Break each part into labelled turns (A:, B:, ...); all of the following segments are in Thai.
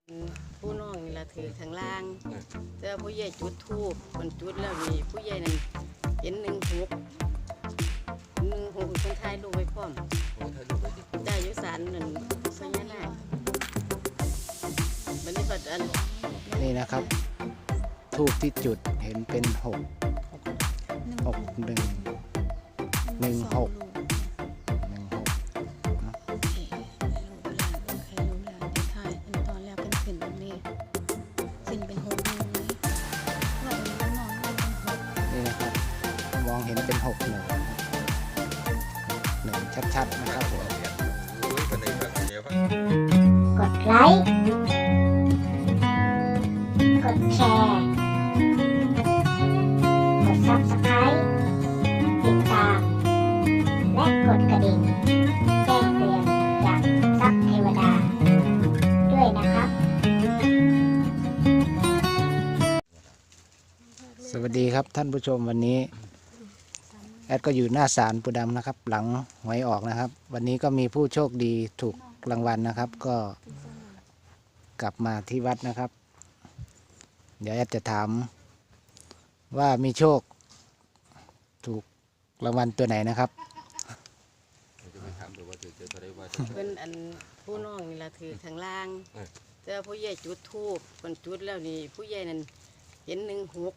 A: ผู้น้องนี่ละถือข้างล่างเจอผู้ใหญ่จุดทูบคนจุดแล้วนี่ผู้ใหญ่นั่นเห็น16คนไทยลูกไว้พร้อมได้ยุสานนั่นพญานาคบัดนี้ปัดอัน
B: นี่นะครับทูบที่จุดเห็นเป็น6 นี่นะครับมองเห็นเป็น6 1ชัดๆนะครับผม
C: กดไลค์กดแชร์กด Subscribe ติดตามและกดกระดิ่งแจ้งเตือนจากซับเทวดาด้วยนะครับ
B: สวัสดีครับท่านผู้ชมวันนี้แอดก็อยู่หน้าศาลปู่ดำนะครับหลังหวยออกนะครับวันนี้ก็มีผู้โชคดีถูกรางวัลนะครับก็กลับมาที่วัดนะครับเดี๋ยวแอดจะถามว่ามีโชคถูกรางวัลตัวไหนนะครับ
A: เพิ่นอันผู้น้องนี่ละถือข้างล่างเจอผู้ใหญ่จุดทูบคนจุดแล้วนี่ผู้ใหญ่นั่นเห็น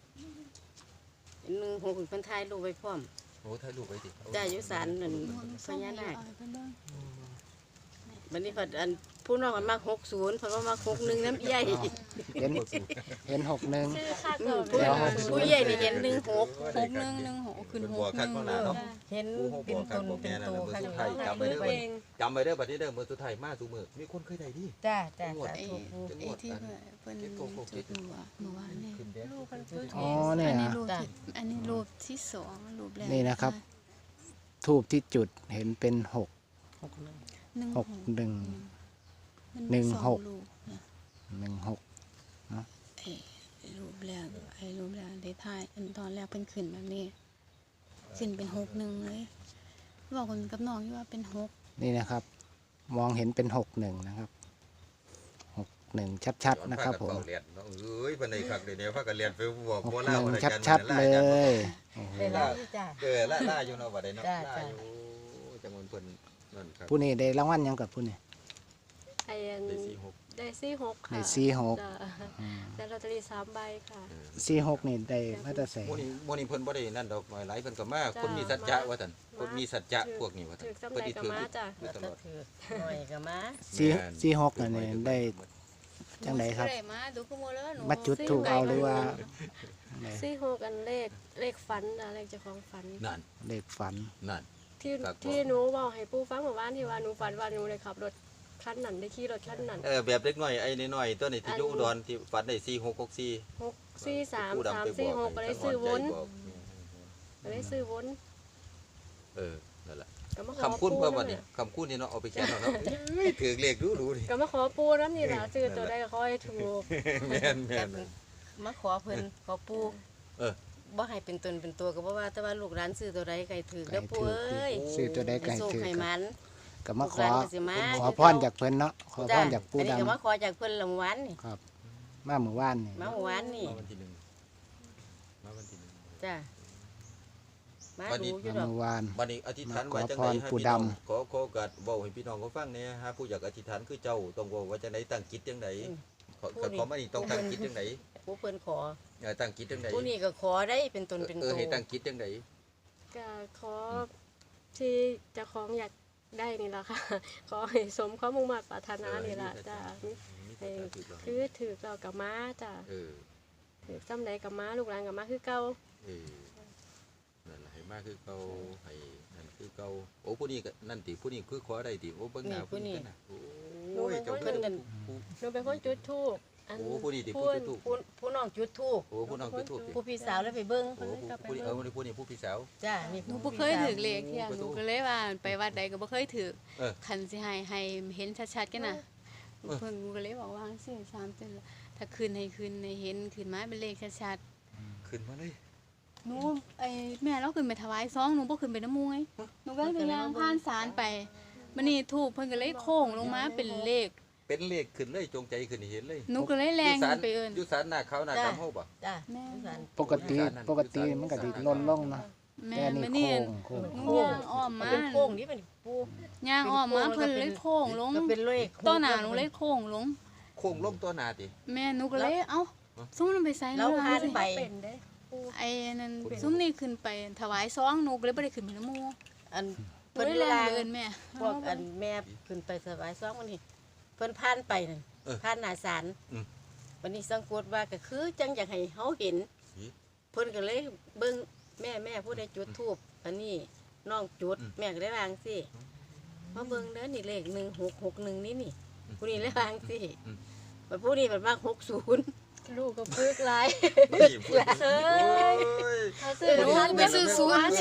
A: คนไทยลูกไว้พร้อมได้ยุสานนั่นพญานาคบัดนี้ปัดอันผู้น้องมันมาก60เพราะว่ามา61น้ำใหญ่
B: เห็น61
A: ผู้ใหญ่นี่เห็น16
D: ขึ้น6เห็นเป็นตนเป็นโตค่ะจำไว้เด้อบัดนี้เด้อมื้อสุดท้ายมาสู่มื้อมีคนเคยได้ดิ
A: จ้า
E: ไอ้ที่เพิ่นจุดเมื่อวานนี่รูปเพิ่นจุด
B: อ๋อเนี่ย
E: อันนี้รูปที่2รูปแรก
B: นี่นะครับทูบที่จุดเห็นเป็น6 1 16
E: รูปแรกได้ถ่ายตอนแรกเพิ่นขึ้นแบบนี้ขึ้นเป็น61เลยบอกคนกับน้องอยู่ว่าเป็น6
B: นี่นะครับมองเห็นเป็น61นะครับ61ชัดๆนะครับผม
D: เอ้ยเพิ่นได้คักเดี๋ยวพากันเรียนไปบอกบ่ลาว่า
B: ชัดๆเลย
A: ล่
D: าอยู่เนาะบ่ได้เนาะล่าอยู่จังหวัดเพิ่นนั่นครับ
B: ผู้นี้ได้รางวัลยังกับผู้นี้
E: ได้46ค่ะ
B: ได้46
E: ได้ลอตเตอรี่3ใบค่ะ
B: 46นี่ได้มาตรแสง
D: มื้อนี้เพิ่นบ่ได้นั่นดอกหลายเพิ่นก็มาคนมีสัจจะว่าซั่นคนมีสัจจะพวกนี้ว่าซั่น
E: เพิ่นสิถือมาจ้ะ
A: ตลอดหน่อยก็มา
B: 46นั่นนี่ได้จังไดครับมาจุดถูกเอาหรือว่า
E: 46อันเลขฝันเลขเจ้าของฝัน
D: นั่น
B: เลขฝัน
D: นั่น
E: ที่หนูบอกให้ปู่ฟังเมื่อวานที่ว่าหนูฝันว่าหนูได้ขับรถคันนั้นได้ขี่รถคันนั้น
D: แบบเล็กน้อยไอ้น้อยๆตัวนี้ที่อยู่อุดรที่ฝันได้4664
E: 643 346ก็ได้ซื้อวน
D: นั่นแหละคำคุ้นเพิ่มวันนี้คำคุ้นนี่เนาะเอาไปเขียนเนาะถือเลขดูดิ
E: ก็มาขอปู่นำนี่ล่ะซื้อตัวใดก็ขอให้ถูก
D: แม่น
A: มาขอเพิ่นขอปู่บ่ให้เป็นตนเป็นตัวก็บ่ว่าแต่ว่าลูกหลานซื้อตัวใดไก่ถือแล้วปู่เอ้ย
B: ซื้อตัวใดไก่ถือ
A: ให้มัน
B: ก็มาขอพรจากเพิ่นเนาะขอพรจากปู่ดำ
A: ก็มาขอจากเพิ่นละมื้อวานนี่
B: ครับมาเมื่อวานนี่
D: วันที่1
A: จ้ะ
D: มาดูอยู่ดอกบัดนี้อธิษฐานไว้จังได๋ให้พี่น้องขอโอกาสเว้าให้พี่น้องเขาฟังแหน่ฮะผู้อยากอธิษฐานคือเจ้าต้องเว้าว่าจังได๋ตั้งจิตจังได๋ขอมานี่ต้องตั้งจิตจังได๋
A: ผู้เพิ่นขอ
D: ตั้งจิตจังได๋
A: ผู้นี้ก็ขอได้เป็นตนเป็นตัว
D: ให้ตั้งจิตจังได๋
E: ก็ขอที่เจ้าของอยากได้นี่ล่ะค่ะขอให้สมความมุ่งมั่นปรารถนานี่ล่ะจ้ะคือถือเรากับม้าจ้ะถือซ้ำใดกับม้าลูกหลานกับม้าคือเก่า
D: นั่นให้มาคือเก่าให้นั่นคือเก่าโอ้ผู้นี้ก็นั่นติผู้นี้คือขอได้ติโอ้เบิ่งหน้าผู้นี้กันน่ะโอ้ยเจ้าเพิ่น
E: หนูเป็นคนจุดธูป
D: โอ้ผู้นี้ติผู้จุดธูป
A: ผู้น้องจุดธูป
D: โอ้ผู้น้องจุดธูป
A: ผู้พี่สาวแล้วไปเบิ่ง
D: โอ้ผู้นี้ผู้พี่สาว
A: จ้ะ
E: หนูบ่เคยถือเลขเที่ยหนูก็เลยว่าไปวัดใดก็บ่เคยถือคันสิให้เห็นชัดๆกันน่ะเพิ่นก็เลยบอกว่าจังซี่3เดือนถ้าคืนให้เห็นขึ้นมาเป็นเลขชัด
D: ๆขึ้นมาเลย
E: หนูแม่เราขึ้นไปถวายซองหนูบ่ขึ้นไปน้ำมูไงหนูก็ไปย่างผ่านศาลไปมื้อนี้ทูบเพิ่นก็เลยโค้งลงมาเป็นเลข
D: เป็นเลขขึ้นเลยจงใจขึ้นให้เห็นเลย
F: หนูก็เลยแรงไปเอิ้น
D: อยู่ศาลหน้าขาวหน้าดำเฮาบ่
A: จ้ะ
F: แม่
B: ปกติมันก็สิลนลงนะ
F: แม่
B: แต่
F: น
B: นี่
F: นี่
B: โค้ง
F: หนูย่างอ้อมมา
A: เป็นโค้งนี่เป็นปู
F: ย่างอ้อมมาเพิ่นเลยโค้งลง
A: ก็เป็นเลข
F: ต้นหน้าหนูเลยโค้งลง
D: โค้งลงตัวหน้าติ
F: แม่หนูก็เลยเอ้าซุ่มมันไปใส่
A: เราพานไป
E: เป็นเด้ปู
F: ไอ้นั่นซุ่มนี่ขึ้นไปถวายซองหนูก็เลยบ่ได้ขึ้นไปนำหมู่
A: อัน
F: เพิ่
A: เพิ่
F: น
A: น
F: เลยแรง
A: ลาง
F: ไปเอิ้นแม่
A: พวกอันแม่ขึ้นไปสบายซ้อมวันนี้เพิ่นผ่านไปนั่นผ่านหน้าศาลวันนี้สังกตว่าก็คือจังอยากให้เฮาเห็นเพิ่นก็เลยเบิ่งแม่ผู้ใดจุดธูปอันนี้น้องจุดแม่ก็ได้วางสิมาเบิ่งเด้อนี่เลข1661นี่ผู้นี้เลยวางสิบัดผู้นี้มันมาก60
E: ลูกก็ปึกหลาย
D: นี่พูด
E: เอ้ย
D: โอ้ย
E: เขาซื้อ
F: หนู
E: ทัน
F: ไปซื้อ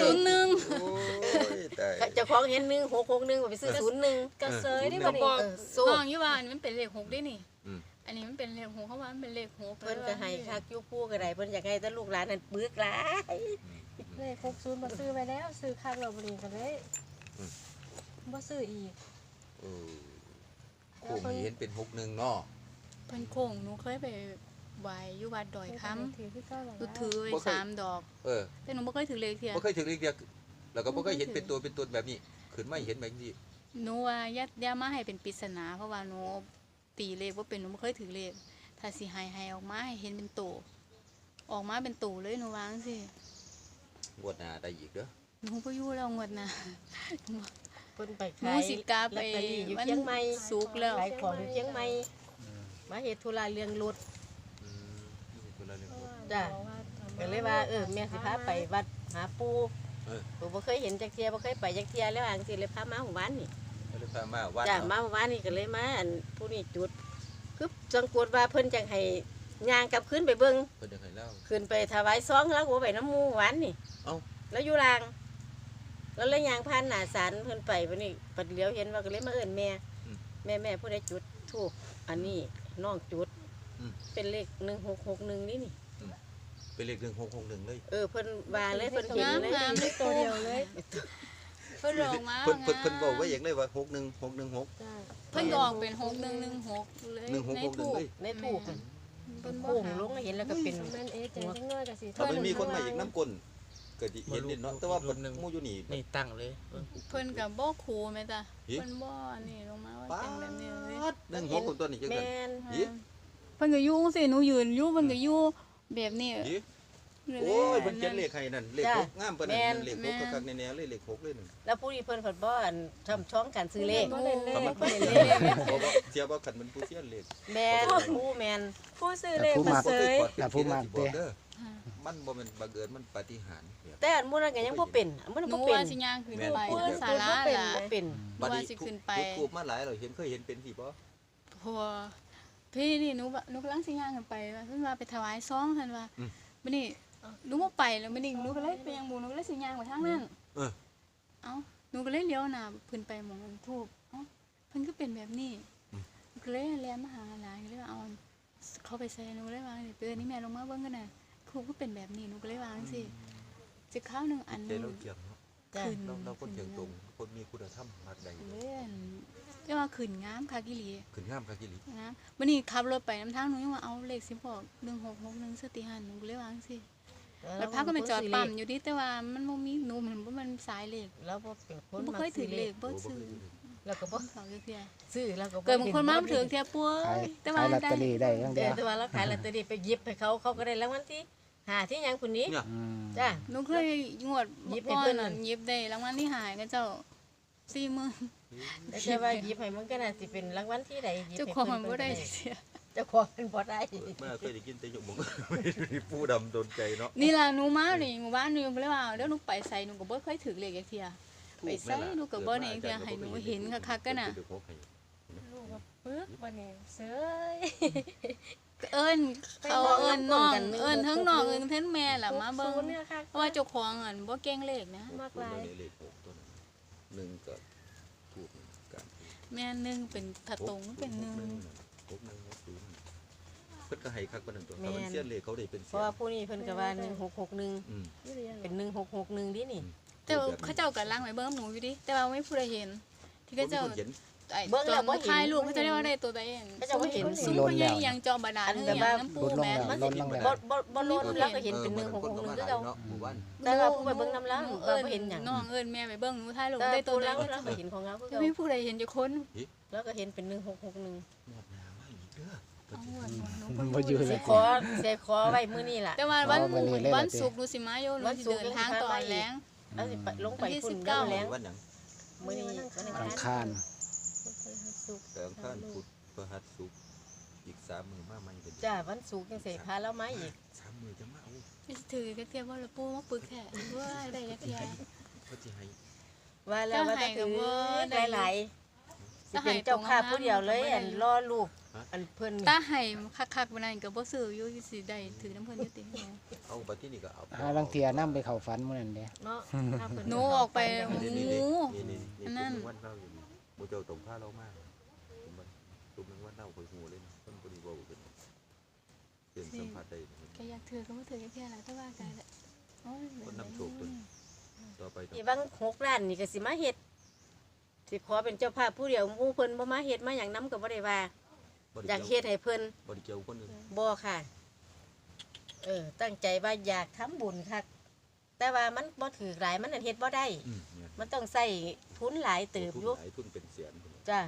F: 001
D: โอ้ยตาย
A: เจ้าของเห็น1661ไปซื้อ01
E: กระเซยได้
F: ก็
E: บ่
F: บ
E: นี่
F: อก
A: สู้
F: น้องอยู่ว่าอันนี้มันเป็นเลข6ได้นี่
D: อืม
F: อันนี้มันเป็นเลข6เขาว่ามันเป็นเลข6
A: เพิ่นก็ให้คักอยู่ปู่ก็ได้เพิ่นอยากให้แต่ลูกหลานนั่นปึกหลาย
E: เลข60บ่ซื้อไว้แล้วซื้อคักแล้วบ่นี่ก็เลยบ่ซื้ออีก
D: เออโค้งให้เห็นเป็น61เนาะ
F: เพิ่นโค้งหนูเคยไปไหว้อยู่วัดดอยคำ
E: ถือคือเก่าแล้ว
F: หนูถือไว้3 ดอก
D: เออ
F: แต่หนูบ่เคยถือเลขเที่ย
D: บ่เคยถึงเลขเดียวแล้วก็บ่เคยเห็นเป็นตัวแบบนี้ขึ้นมาเห็นแบบนี้
F: หนูว่าอย่ามาให้เป็นปริศนาเพราะว่าหนูตีเลขบ่เป็นหนูบ่เคยถือเลขถ้าสิให้ออกมาให้เห็นเป็นโตออกมาเป็นโตเลยหนูวาจังซี่
D: งวดหน้าได้อีกเด้อ
F: หนูบ่อยู่แล้วงวดหน้า
A: เพิ่นไป
F: หนู
A: ขาย
F: สิกลับไป
A: ลอตเตอรี่อยู่
F: วัน
A: เชียงใหม่
F: ศุกร์แล้ว
A: ขายของอยู่เชียงใหม่มาเฮ็ดธุระเรื่องรถ
D: อืมนี่คนละเรื่อง
A: จ้ะ ก็เลยว่าแม่สิพาไปวัดหาปู่
D: เออ
A: ปู่บ่เคยเห็นจักเที่ยบ่เคยไปจักเที่ยแล้วอังสิเลยพามาหมู่บ้านนี่
D: ก็เลยพามาวัด
A: จ้ะ
D: เนาะ
A: มาหมู่บ้านนี่ก็เลยมาอันผู้นี้จุดคือสังกตว่าเพิ่นจังให้ย่างกลับขึ้นไปเบิ่ง
D: เพิ่นจะให้เล่า
A: ขึ้นไปถวายซองแล้วก็บ่ไปน้ำหมู่หวานนี่
D: เอ้า
A: แล้วอยู่ลางแล้วเลยย่างผ่านหน้าศาลเพิ่นไปบัดนี้ปัดเหลียวเห็นว่าก็เลยมาเอิ้นแม่ แม่ผู้ใดจุดธูปอันนี้น้องจุดเป็นเลข1661นี่
D: เป็นเลข1661เลย
A: เพิ่นว่าเลยเพิ่นเห็นเลย
F: งามๆเลย
E: ตัวเดียวเลย
F: เพิ่นออกมา
D: เพิ่นบอกไว้อย่างเลยว่า61616
E: จ้า
F: เพิ่นก็ออกเป็น6116เลยในทูป
D: เลย
A: ในธูป
F: เพิ่นบ่
A: โป่งลงเห็นแล้วก็เป็น
E: แม่นเอ๊ะใจจังน้อยก็สิ
D: ถ้ามันมีคนมาอีกน้ำกลก็สิเห็นนิดเนาะแต่ว่าเพิ่นหมู่อยู่นี่
G: นี่ตั้งเลย
F: เพิ่นก็บ่คูแม่จ้ะ
D: อิ
F: เพิ่นบ่อันนี้ลงมาว่า
D: ป๊า
F: เป็นแบบนี้เลย
D: ด16คนตัวนี้จัง
A: แม
D: ซั่น่
A: น
D: อิ
F: เพิ่นก็อยู่จังซี่หนูยืนอยู่เพิ่นก็อยู่แบบนี้
D: อิโอ้ยเพิ่นเขียนเลขให้นั่นเลข6งามปานนั้นเลข6คักๆแน่ๆเลยเลข6เลยนั่น
A: แล้วผู้นี้เพิ่นเพิ่นบ่อันทำช่องการซื้อเลข
E: บ่เล่นเล
D: ถ้า
E: ข
D: มัน
A: เพิ่น
D: เ
A: เล่นเลข
D: บ่เสียบ่คันมันผู้เสียเลข
A: แมนผู้แมน
E: ผู้ซื้อเลขมาเสย
D: มันบ่แม่นบังเอิญมันปาฏิหาริย์เนี่ย
A: แต่อันมื้อนั้นก็ยังบ่เป็นอันมื้อนั้น
F: หนู
A: บ่เป็น
F: ว่าสิย่างขึ้นไป
D: แม่น
F: ศาลาล่ะ
A: บ่เป็น
F: หนูว่าสิขึ้นไป
D: ทูบมาหลายเราเคยเห็นเป็นสิบ่
F: เพราะว่าพี่นี่หนูกำลังสิย่างขึ้นไปว่าเพิ่นว่าไปถวายซองเพิ่นว่ามื้อนี้หนูบ่ไปแล้วมื้อนี้หนูก็เลยไปยังหมู่หนูก็เลยสิย่างไปทางนั้นเอ้าหนูก็เลยเลี้ยวหน้าขึ้นไปหม้องทูบเอ้าเพิ่นก็เป็นแบบนี้หนูก็เลยแล่นมาหาหลานก็เลยว่าเอาเขาไปใส่หนูเลยว่าเตือนนี่แม่ลงมาเบิ่งกันน่ะครูก็เป็นแบบนี้หนูก็เลยว่าจังซี่สิคราวหนึงอัน
D: ใจเราเจียงเนาะ
A: จ้ะ
F: ขึ้น
D: เราคนเจียงตรงคนมีคุณธรรมมากใด
F: เล่นเรียกว่าขึ้นงามคักอีหลี
D: ขึ้นงามคักอีหลี
F: นะวันนี้ขับรถไปน้ำทางหนูยังว่าเอาเลขสิบอก1661สติหันหนูก็เลยว่าจังซี่แล้วพาก็ไปจอดปั๊มอยู่ดิแต่ว่ามันบ่มีหนูมันสายเลข
A: แล้วบ่เป็นคน
F: บ่เคยถือเลขบ่ซื้อ
A: แล้วก็บ่
F: เขาเทื่อ
A: ซื้อแล้วก็
F: เกิดบางคนมาบ่ถือเทื่อปัว
B: ขาย
F: แต่ว่า
B: ขายลอต
F: ได้
B: เตอรี่ได้อย่างเดียว
A: แต่ว่าเราขายลอตเตอรี่ไปหยิบให้เขาก็ได้รางวัลที่5ที่หยังคนนี้
D: เนี่ย
B: อืม
A: จ้ะ
F: หนูเคยงวด
A: หยิบให้
F: ก่อ
A: เพิ่
F: น
A: นนั่
F: น่ะ
A: น
F: หยิบได้รางวัลที่หายก็เจ้า40,000
A: แต่ว่าหยิบให้มันก็น่าสิเป็นรางวัลที่ใดหยิบ
F: เจ้า
A: ให้
F: ของ
A: เพิ่น
F: บ่ได้
A: เพิ่น
F: เสีย
A: เจ้าของเป็นบ่ได้
D: เมื่อเคยได้กินแต่หยกบ่ผู้ดำโดนใจเนาะ
F: นี่ล่ะหนูมานี่หมู่บ้านหนูก็เลยว่าเดี๋ยวหนูไปใส่หนูก็บ่เคยถือเลขจักเที่ย ไปใส่ดูกับบ่เนี่ยเที่ยให้หนูเห็นคักๆก็น่ะ
E: ลูกก็ปึกบ่นี่เสย
F: เอิ้นเขาเอิ้นน้องเอิ้นทั้งน้องเอิ้นทั้งแม่ล่ะมาเบิ่ง
E: เนี่ยค่ะ
F: เพราะว่าเจ้าของอันบ่เก่งเลขนะ
E: มากหลาย
D: เลข6ตัวนั้น1ก็ถูกกัน
F: แม่หนึงเป็นถ้าตรงเป็นหนึ่ง
D: เพิ่นก็ให้คักปานนั้นตัวถ้ามันเสียเลขเขาได้เป็น
A: เพ
D: เสี
A: ราะ
D: ย
A: ว่าผู้นี้เพิ่นก็ว่า1661
D: อืม
E: นี่เรียน
A: เป็น1661ดินี่
F: แต่ว่าเขาเจ้าก็ล้างไว้เบิ่งหนูอยู่ดิแต่ว่าไม่ผู้ใดเห็น ที่เขาเจ้า
D: เห็น
F: ไอ้
A: เบิ่ง
F: จ
A: แล้
F: อ
A: ว
F: ม
A: บ่เห็น
F: ถ่ายรูปเขาจะเรียกว่าได้ตัวใดเอง
A: เขาจะบ่เห็น
F: ซุ้มพญายังจอมบาดาล
A: อัน
F: เฮื
A: แบ
F: อบ หยั
A: ว่า
F: งน้ำปู
B: ลดลง
F: แม่
B: แล้ว
A: มัน
B: ล
A: สิ
B: ดลงแล้ว
A: บ่ล้นแล้วก็เห็นเป็น1661คือเก่า
D: เนาะหมู่บ้าน
A: แต่ว่าผู้ไปเบิ่งน้ำล้าง
F: หนู
A: ก็บ่เห็นหยัง
F: น้องเอิ้นแม่ไปเบิ่งหนูถ่ายรูป
A: แต่
F: ได้ตัว
A: ผู้
F: ใด
A: ล้างแล้วก็เห็นของเราคือ
F: จะ
A: เก่า
F: มีผู้ใดเห็นอยู่คน
A: แล้วก็เห็นเป็น1661
D: หมดน้ำมาอีกเด้อ
F: เอาหวนหนู
B: บ่อยู่เล
A: สิ
B: ย
A: ขอไว้มื้อนี้ล่ะ
F: แต่ว่าวัน
B: อ๋อวันนี้เลยเหรอ
F: วันศุกร์หนูสิมาอยู่หนูสิเดินทางตอนแรง
A: แล้วสิไปลงไป
F: วันที่
A: พุ่น
F: 19
A: แล้วแล้ง
D: วันหยัง
A: มื้อนี้วันอัง
B: อัง
A: คาร
B: คาร
D: แต่อังคารพุธพฤหัสศุกร์อีก3มื้อมาใหม่เป็น
A: จ้าวันศุกร์จังสิพาเรามาอีก
D: 3มื้อจะมาเอา
F: นี่สิถือกระเทียมว่าละปูมาปึกแท้ว่าได้ยักแย่
D: เขาสิให้
A: ว่าแล้วว่าจะถือ
F: เจ้าให้กับว่า
A: หลายๆสิเป็นเจ้าภาพผู้เดียวเลยอันรอลูกอันเพิ่น
F: ตาให้คักๆบ่นั่นก็บ่ซื้ออยู่สิได้ถือน้ำเพิ่นอยู่ติ
D: เอาบัดที่นี่ก็เอา
B: หาลังเทียนำไปเข้าฝันมื้อนั้นเด้
A: เนาะถ้าเพิ่
F: หนูออกไป
D: นี่
F: หมู
D: ๆ
F: อันนั้น
D: ๆวันเล่าอยู่นี่บ่เจ้าตรงพาเรามาตุ้มนึงวันเล่าคอยฮู้เลยนะคนบ่ได้เว้ากันเป็นสัมผัสได้
F: แกอยากถือก็บ่ถือแค่นั้นแต่ว่ากันโอ้ย
D: คนนำโชคตัวนี้ต่อไปต้อง
A: ที่บาง6ล้านนี่ก็สิมาเฮ็ดสิขอเป็นเจ้าภาพผู้เดียวหมู่เพิ่นบ่มาเฮ็ดมาหยังนํก็บ่ได้ว่า
D: บ่
A: อ
D: ได้
A: ยาก
D: เกี่
A: เฮ็ดให้เพิ่น
D: บ่ได้เกี่ยวคนอื่น
A: บ่ค่ะ ตั้งใจว่าอยากทำบุญคักแต่ว่ามันบ่ถือหลายมันนั่นเฮ็ดบ่ได้
D: เนี่ย
A: มันต้องใช้ทุนหลายเติบอยู่
D: หลายทุนเป็นแสนพุ่น
A: จ้า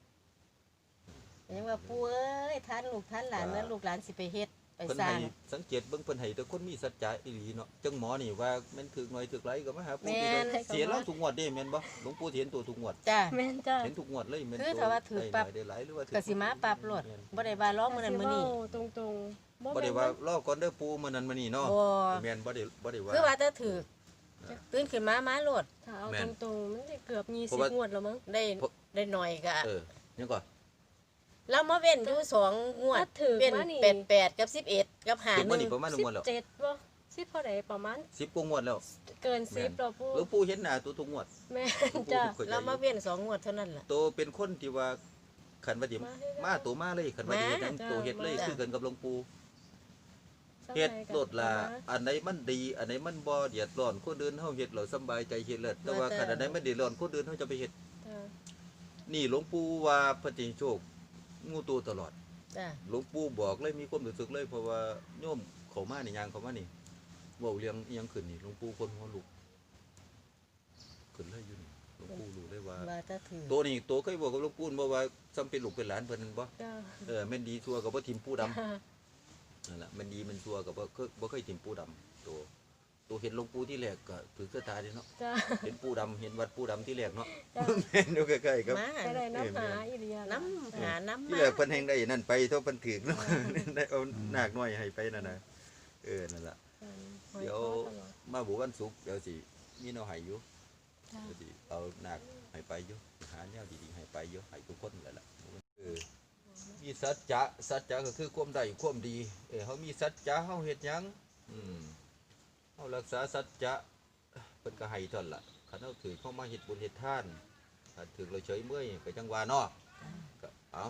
A: ยังว่าปู่เอ้ยท่านลูกท่านหลานนั้นลูกหลานสิไปเฮ็ดไป
D: เพิ่น
A: สร้า
D: ให้
A: ง
D: สังเกตเบิ่งเพิ่นให้แต่คนมีสัจจะอีหลีเนาะจังหมอนี่ว่าแม่นถึกหน่อยถึกหลายก็มาหาปู่
A: แม่
D: ที่
A: น
D: เสียแล้วทุกงวดเด้แม่นบ่หลวงปู่เห็นตัวทุกงวด
A: จ้า
E: แม่นจ้า
D: เห็นทุกงวดเลยแม่น
A: คือถ้าว่าถือปั๊บ
D: ได้หลายหรือว่าถื
A: ก็สิมาปรับโลดบ่ได้ว่าร้องมื้อนั้นมื้อนี้
E: ตรงๆ
D: บ่ได้ว่ารอก่อนเด้อปู่มื้อนั้นมื้อนี้เนาะ
A: บ่
D: แม่นบ่ได้ว่า
A: คือว่าถ้าถือตื่นขึ้นมาโลด
E: ถ้าเอา
D: แม่น
E: ตรงๆมันจะเกือบ
D: เพราะว่า
E: 20งวดแล้วมั้ง
A: ได้หน่อยก็
D: ยังก่อน
A: เรามาเว้นอยู่2งวด
E: ถ้าถือ
A: เว้น
E: ว่านี่
A: 88กับ11กับ
D: ถึงมื้อนี้
A: 51
D: ประมาณ1งวดแล้ว
E: 17บ่10เท่าใดประมาณ
D: 10กว่างวดแล้ว
E: เกิน10แล้วปู
D: หลวงปู่เห็นหน้าตัวทุกงวด
E: แม่นจ้า
A: เรามาเว้น2งวดเท่านั้นล่ะ
D: ตัวเป็นคนที่ว่าขันว่าสิ
E: มาให้ได้
D: มาตัวมาเลยขันว่าสิเฮ็ดหยัง
E: มา
D: ตัวเฮ็ดเลย
A: จ้ะ
D: คือกันกับหลวงปู่
E: สมัย
D: เฮ็ด
E: กัน
D: โลดละอันไหนมันดี อันไหนมันบ่เดือดร้อนคนอื่นเฮาเฮ็ดเราสำบายใจเฮ็ดเลิศแต่ว่าคันอันไหนมันเดือดร้อนคนอื่นเฮาจะไปเฮ็ด
E: จ้า
D: นี่หลวงปู่ว่าพระจิงโชคงูตัวตลอด
A: จ้า
D: หลวงปู่บอกเลยมีความรู้สึกเลยเพราะว่าโยมเข้ามานี่ยางเข้ามานี่เว้าเรื่องอีหยังขึ้นนี่หลวงปู่คนหัวลุกขึ้นเลยอยู่นี่หลวงปู่รู้เลยว่า
A: ว่าถ้าถือ
D: ตัวนี้ตัวเคยบอกกับหลวงปู่บ่ว่าซ้ำเป็นลูกเป็นหลานเพิ่นนั่นบ่
E: จ้า
D: แม่นดีชัวกับบ่ทิมปูดำนั่นแหละแม่นดีมันชัวกับบ่เคยทิมปูดำตัวเห็นหลวงปู่ที่แรกก็ถือเสื้อตาเด้เนาะ
E: จ้า
D: เห็นปูดำเห็นวัดปูดำที่แรกเนาะ
E: จ้า
D: แม่นอยู่ใกล้ๆครับ
A: มา
E: ก็ได้น้ำหาอีเดีย
A: น้ำหาน้ำ
D: ที่
A: มา
D: แรกเพิ่นแฮงได้นั่นไปเท่าเพิ่นถึกเนาะ ได้เอานาคน้อยให้ไปนั่นน่ะนั่นล่ะเดี๋ยวมาบุวันศุกร์เดี๋ยวสิมีแนวให้อยู่
F: จ้า
D: เดี๋ยวสิเอานาคให้ไปอยู่หาแนวดีๆให้ไปอยู่ให้ทุกคนนั่นแหละมีสัจจะก็คือความได้ความดีเฮามีสัจจะเฮาเฮ็ดหยังเฮารักษาสัจจะเพิ่นก็ให้เท่านั้นล่ะคันเฮาถือเข้ามาเฮ็ดบุญเฮ็ดทานถ้าถือเราเฉยเมื่อยก็จังว่าเนาะก็เอา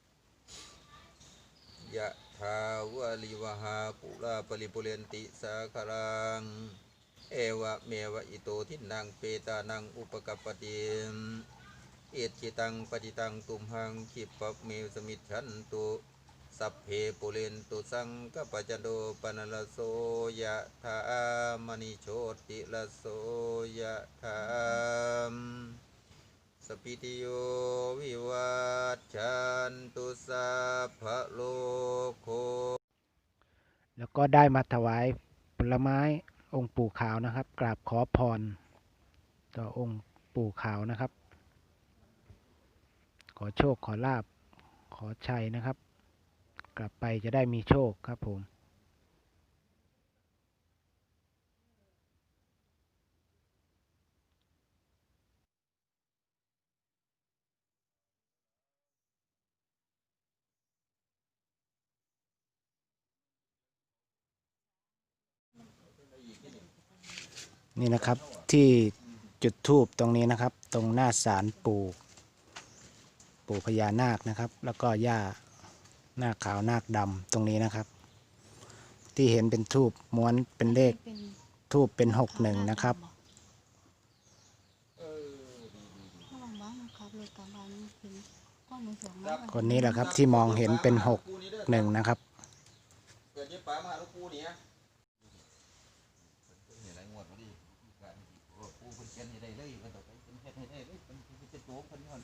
D: ยะทาวะลิวหาปุราปริปุเรนติสาคารังเอวะเมวะอิโตทินังเปตานังอุปกัปปติเอจิตังปฏิตังตุมหังขิปะเมสมิจฉันตุสัพเพปุเรนตุสังกปจจโดปนลโสยะถามณิโชติลโสยะถามสปิติโยวิวัชชันตุสัพพะโลกโค
B: แล้วก็ได้มาถวายผลไม้องค์ปู่ขาวนะครับ กราบขอพรต่อองค์ปู่ขาวนะครับ ขอโชคขอลาบขอชัยนะครับ กลับไปจะได้มีโชคครับผม นี่นะครับที่จุดธูปตรงนี้นะครับ ตรงหน้าศาลปู่พญานาคนะครับ แล้วก็ย่านาคขาวนาคดำตรงนี้นะครับ ที่เห็นเป็นธูปม้วนเป็นเลขธูปเป็น61นะครับ
F: ระวังบ้างนะครับรถกลางวันเห็น
B: คนนี้แหละครับที่มองเห็นเป็น61นะครับ
D: เกิดยี่ป๋ามาลูกปูนี่ฮะนี่ไรงวดมาดิปูเพิ่นเขียนให้ได้เลยมันต้องไปเพิ่นเฮ็ดให้ได้เลยเพิ่นเป็นตัวเพิ่นย้อน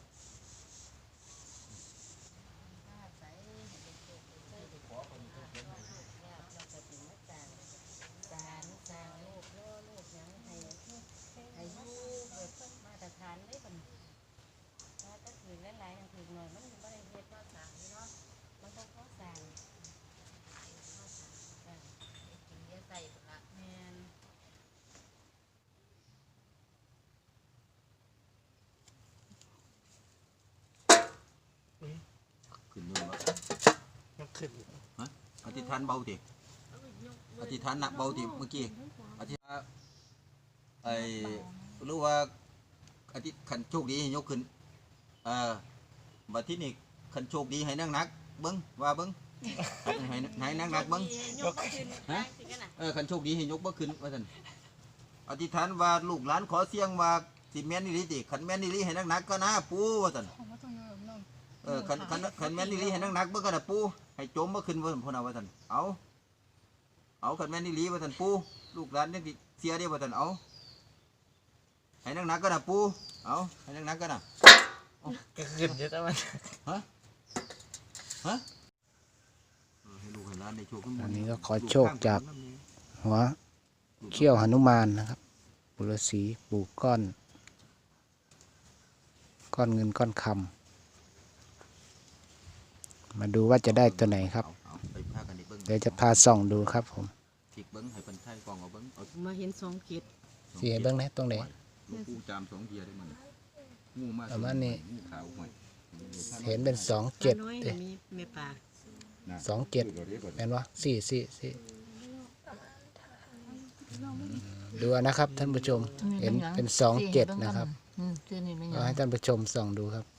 D: ขึ้นนู่นวะ
B: ยกขึ้น
D: ฮะอธิษฐานเบาดิอธิษฐานหนักเบาดิเมื่อกี้อธิษฐานไอ้รู้ว่าอธิษขันโชคดีให้ยกขึ้นบัดที่นี่ขันโชคดีให้นั่งนักเบิ้งว่าเบิ้งให้นั่งนักเบิ้งขันโชคดีให้ยกบ่ขึ้นว่าท่านอธิษฐานว่าลูกหลานขอเสียงว่าสิแม่นนี่ลิติขันแม่นนี่ลิให้นั่งนักก็นะปูว่าท่านขันแม่นนี่ลิให้นักๆเบิ่งก็น่ะปูให้จมบ่ขึ้นว่าพุ่นน่ะว่าท่านเอาขันแม่นนี่ลิว่าท่านปูลูกหลานนี่เสียเด้ว่าท่านเอาให้นักๆก็น่ะปูเอาให้นักๆก็น่ะ
B: ก็ขึ้นเยอะจังมัน
D: ฮะให้ลูกให้หลานได้โชคขึ้น
B: อันนี้ก็ขอโชคจากหัวเขี้ยวหนุมานนะครับปุรสีปู่ก้อนเงินก้อนคำมาดูว่าจะได้ตัวไหนครับ
D: ไปพากันเบิ่ง
B: เดี๋ยวจะพาส่องดูครับผม
D: จิกเบิ่งให้เพิ่นไทยกองเอาเบิ่งเอา
A: มาเห็น2เกต
B: สีให้เบิ้งนะตรงไหน
D: ลูกปูจาม2เทียได้มันงูมา
B: ประมาณนี้
D: งูขาวห้อย
B: เห็นเป็น2 7
A: น้อย
B: เด้
A: มีแม่ปลา
B: 2 7แม่นวะ4ดูนะครับท่านผู้ชมเห็นเป็น2 7นะครับก็ให้ท่านผู้ชมส่องดูครับ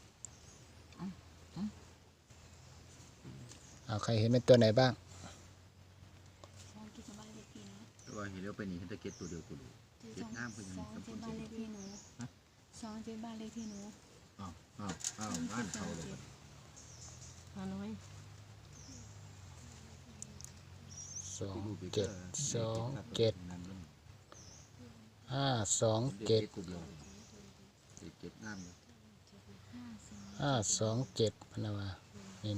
B: เอาใครเห็นเป็นตัวไหนบ้าง
D: ว่าเห็นแล้วเป็นนี่ตะเก็ดตัวเดียวกูดูเก็ดน้ำเพิ่นยัง
F: 2
D: สำ
F: ที่
D: คัญ
F: บ้านเลขที่หนู2ที่บ้านเลขที่หนู
D: อ้าวบ้านเขาเลย
A: ปลาน้อย
B: 2 7 2 7 5 2 7
D: เก็ดน้ำ
B: 5 2 7พนาวานี่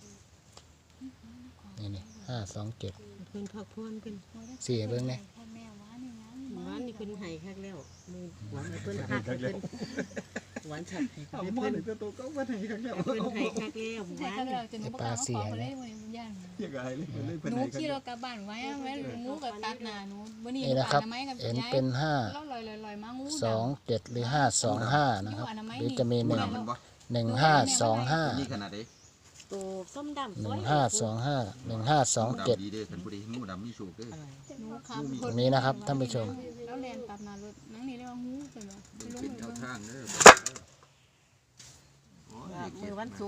B: 5 2 7
A: เพิ่นพักผ่อนเพิ่น
B: สี่เบิ้งเนี่ย
F: แม่ว่านี่นะ
A: หวานนี่เพิ่นให้คักแล้วมือหวานให้เพิ่นคักให้เพิ่นหวานฉับให้เพิ่นให้คักแล้วหวาน
F: เราจะหนูบอกว่าขอมาเล่นวันนี้ย่านหนูขี่รถกลับบ้านไว้งูกับตัดหน้าหนูวันนี้
B: นี่นะครับ
F: อนามัยกับ
B: เห็น
F: ยาย
B: เป็น
F: เราลอยมางู
B: 5 2 7 หรือ 5 2 5 นะครับ หรือจะมี 1 1 5 2 5
D: นี่ขนาดไหน
A: ตัวส้มดำ
B: 1 5 2 5 1 5 2 7
D: ดีเด้อท่านผู้ใดงูดำมีโชคเด้อ
F: หนูขับ
B: ตรงนี้นะครับท่านผู้ชม
F: แล้วแลนตัดหน้ารถนั่งนี่เรียกว่างูเป็นบ่
D: เป็นแนวทางเด้อโอ้ย
A: มือวันศุกร์